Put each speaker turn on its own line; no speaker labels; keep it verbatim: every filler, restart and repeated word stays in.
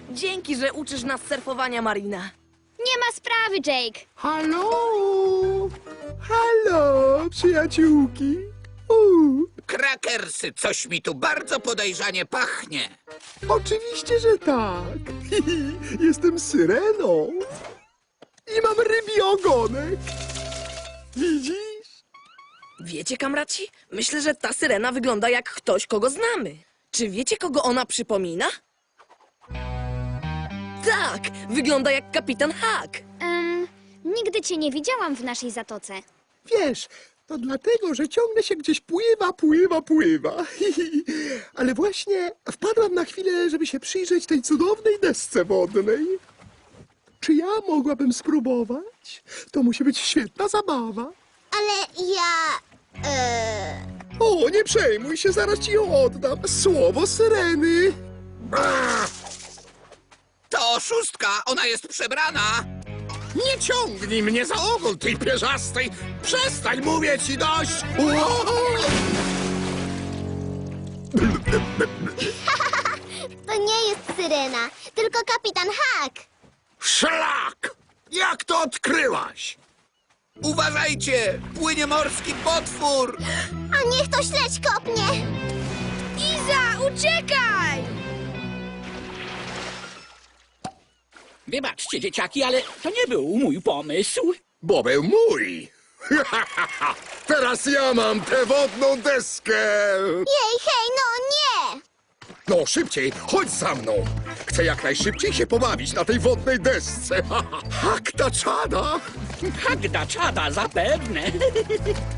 Dzięki, że uczysz nas surfowania, Marina.
Nie ma sprawy, Jake.
Halo! Halo, przyjaciółki! U,
Krakersy, coś mi tu bardzo podejrzanie pachnie.
oczywiście, że tak. Jestem syreną. I mam rybi ogonek. Widzisz?
Wiecie, kamraci? Myślę, że ta syrena wygląda jak ktoś, kogo znamy. Czy wiecie, kogo ona przypomina? Tak, wygląda jak kapitan Hack.
Em, nigdy cię nie widziałam w naszej zatoce.
Wiesz, to dlatego, że ciągle się gdzieś pływa, pływa, pływa. Ale właśnie wpadłam na chwilę, żeby się przyjrzeć tej cudownej desce wodnej. Czy ja mogłabym spróbować? To musi być świetna zabawa.
Ale ja... E...
O, nie przejmuj się, zaraz ci ją oddam. Słowo syreny.
To oszustka, ona jest przebrana.
Nie ciągnij mnie za ogon, tej pierzastej! Przestań, mówię ci dość! Uuu!
To nie jest syrena, tylko kapitan Hack.
Szlak! Jak to odkryłaś?
Uważajcie, płynie morski potwór.
A niech to śledź kopnie.
Iza, uciekaj!
Wybaczcie, dzieciaki, ale to nie był mój pomysł.
Bo był mój! Teraz ja mam tę wodną deskę!
Jej, hej, no nie!
No szybciej, chodź za mną! Chcę jak najszybciej się pobawić na tej wodnej desce! Hakta czada!
Hagda czada zapewne.